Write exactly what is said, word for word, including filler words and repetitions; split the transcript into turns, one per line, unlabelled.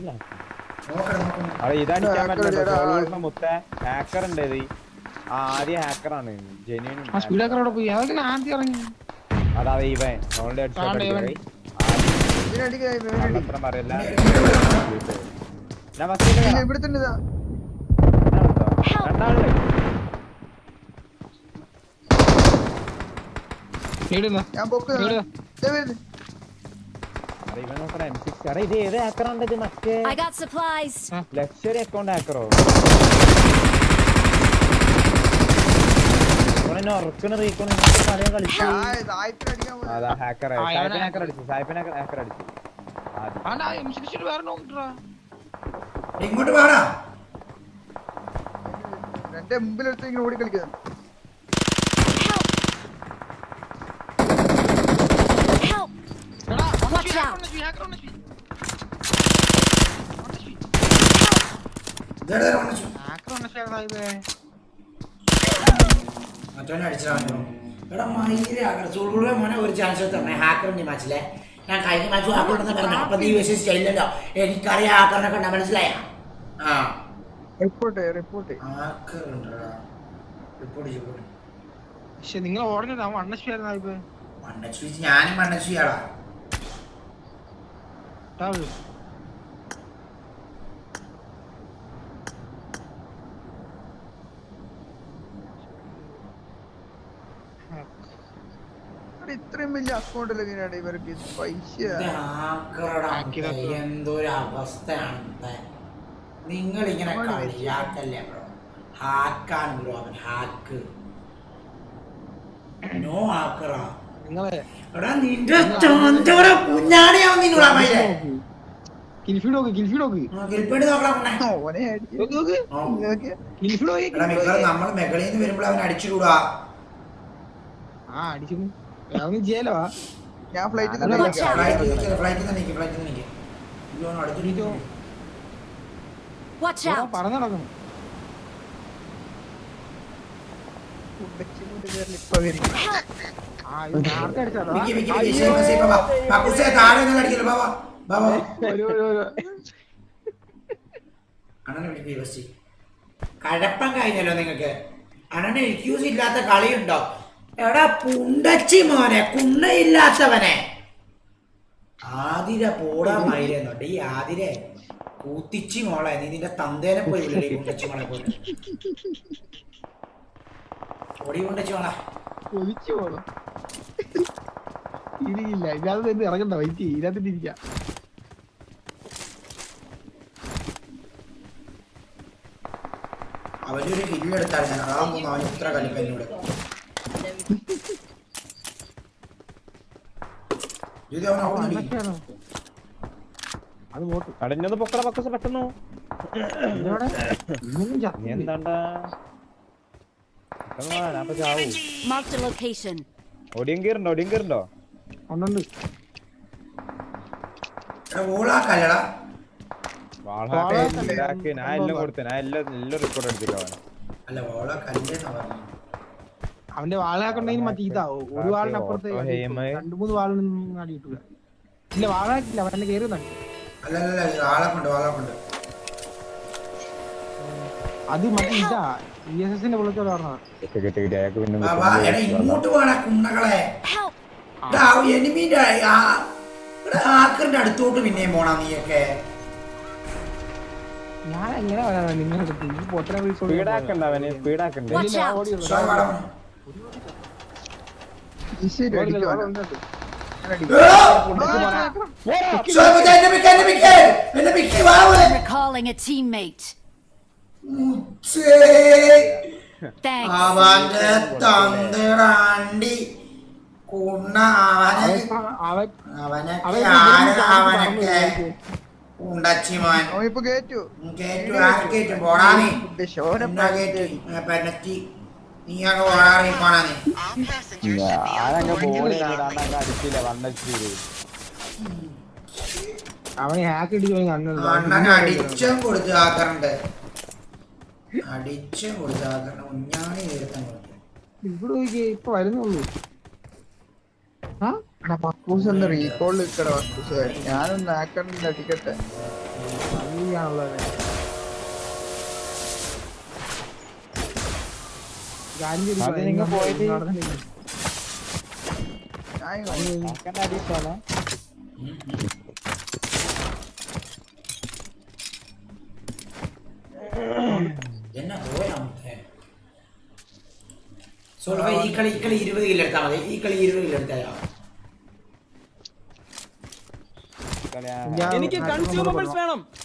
അവിടെ ഇതടിക്കാൻ പറ്റില്ല. മുത്ത ഹാക്കർ ഉണ്ട് ഇത്. ആദ്യ ഹാക്കറാണ് ജെന്യൂൻ. അതാ ഇവൻ ഓൾറെഡി അടിച്ചോട്ടം പറയല്ല. ഞാൻ രണ്ടാളുണ്ട്. ഇത് ഏത് ഹാക്കറാണ് ഇത്? മറ്റേ ലക്ഷറി അക്കൗണ്ട് ഹാക്കറോ? ഉറക്കണ റീക്കോൺ കളിച്ചു. അതാ ഹാക്കർ ഹാക്കർ അടിച്ചു. സായിപ്പിനെ ഹാക്കർ അടിച്ചു.
ഇങ്ങോട്ട് വേണ
എന്റെ മുമ്പിലെടുത്ത് ഇങ്ങനെ ഓടി കളിക്കുന്നത്.
മറ്റവനെ അടിച്ചിട്ടാണോ? എടാ മയിലാകണം ചൂടുകൂടെ മോനെ ഒരു ചാൻസ് തന്നെ ഹാക്കറിന്റെ മാച്ചിലെ. ഞാൻ കഴിഞ്ഞ മാച്ച് ഹാക്കറുണ്ടെന്ന് പറഞ്ഞു. അപ്പൊ നീ വിശ്വസിച്ചില്ലല്ലോ. എനിക്കറിയാം ഹാക്കറിനെ കണ്ട മനസ്സിലായ. ആ
റിപ്പോർട്ട് റിപ്പോർട്ട്
പക്ഷെ നിങ്ങൾ ഓടുന്നത് മണ്ണശ്ശിയായിരുന്നു.
മണ്ണശ്ശി ഞാനും മണ്ണശ്ശിയാടാ.
ഇത്രയും വലിയ അക്കൗണ്ട് എങ്ങനെയാണ് ഇവർക്ക് പൈസ?
എന്തൊരു അവസ്ഥയാണ്. നിങ്ങൾ ഇങ്ങനെ കളിയാക്കല്ലേ ബ്രോ. ഹാക്കാണ് ബ്രോ അവൻ. ഹാക്ക് നോ ഹാക്കറാ. എടാ നിന്റെ ചാന്തോര കുഞ്ഞാണിയാവും നിങ്ങളാ മയിലേ.
കിൽഫീഡ് നോക്ക്, കിൽഫീഡ് നോക്ക്.
കിൽഫീഡ് നോക്കണം. നമ്മൾ മെകളിൽ നിന്ന് വരുമ്പോൾ അവൻ അടിച്ചുകൂടാ.
ആ അടിച്ചു ചെയ്യാലോ.
ഞാൻ ഫ്ലൈറ്റ്
പറഞ്ഞു നടക്കണം.
കഴപ്പം കഴിഞ്ഞല്ലോ നിങ്ങക്ക്. അണ്ണന് എക്യൂസ് ഇല്ലാത്ത കളിയുണ്ടോ? എടാ പുണ്ടച്ചി മോനെ, കുണ്ണയില്ലാത്തവനെ. ആതിര പോടാ മയിലെന്നുണ്ട്. ഈ ആതിരെ കൂത്തിച്ചി മോളെ, നീ നിന്റെ തന്തേനെ പോയി വിളി. പുണ്ടച്ചി മോളെ പോലെ ഓടി പുണ്ടച്ചി മോളെ.
ഒളിച്ചു പോണം. ഇരിക്കില്ല ഇതിനകത്ത് തന്നെ ഇറങ്ങണ്ട. വൈറ്റ് ഇതിനകത്ത് ഇരിക്കാം.
അവനൊരു കില്ലെടുത്താൽ ഞാൻ അതാകുമ്പോ അവൻ ഇത്ര കളിപ്പ എന്നോട്.
കടഞ്ഞത് പൊക്കട പക്കസ് പെട്ടെന്നു. എന്താണ്ടാ ഒടിയും കീറുണ്ടോ? ഒടിയും കീറുണ്ടോ?
ഒന്നുണ്ട്.
ഞാൻ എല്ലാം കൊടുത്തേ. ഞാൻ എല്ലാം എല്ലാം റിപ്പോർട്ട് എടുത്തിട്ടോ.
അവന്റെ വാളാക്കുണ്ടെങ്കിൽ മറ്റേ ഇതാവും. ഒരു വാളിന് അപ്പുറത്ത് രണ്ടു മൂന്ന് വാളിനൊന്നും അടി കിട്ടൂല. ഇല്ല വാളാക്കില്ല, അവൻ തന്നെ കയറുന്നുണ്ട്. അത് മറ്റേ ഇതാ ഇ എസ് എസിന്റെ വിളിച്ചോട് പറഞ്ഞത്.
അടുത്തോട്ട് പിന്നെയും പോണ നീയൊക്കെ.
ഞാൻ എങ്ങനെ പറയാ നിങ്ങളുടെ പൊട്ടനെ
സ്പീഡാക്കണ്ട. അവന് സ്പീഡാക്കണ്ടേ?
Recalling a teammate. Thanks.
അവന്റെ തന്തറാണ്ടി കുണ്ണ അവനെ അവനൊക്കെ ഉണ്ടച്ചിമാൻ
കേറ്റു
കേറ്റു ആര് കേറ്റും? പോടാ നീ പെണ്ണത്തി. നീ അങ്ങ് പോടാറി പോണാ നീ.
അവന് ഹാക്ക്
അണ്ണൻ അടിച്ചും കൊടുത്തു ആക്കറുണ്ട്. അടിച്ചും കൊടുത്തു ആക്കറുണ്ട്. ഉഞ്ഞാണി തീർത്താൻ കൊടുത്തു.
ഇവിടെ നോക്കിയേ ഇപ്പൊ വരുന്നുള്ളൂ.
മക്കൂസ് ഒന്ന് റീകോൾ നിൽക്കട. മക്കൂസ് ഞാനൊന്ന് ആക്കറിന്റെ അടിക്കട്ടെ.
ആണുള്ളത്.
അത് നിങ്ങ പോയിട്ട്
ഞാൻ
ഹാക്കറിന്റെ അടിയിൽ പോണോ?
എന്നാ പോയാ സോൾവ ഈ കളി ഈ കളി ഇരുപത് കിലോ എടുത്താൽ മതി. ഈ കളി ഇരുപത് കിലോ എടുത്താലോ?
എനിക്ക് കൺസ്യൂമബിൾസ് വേണം.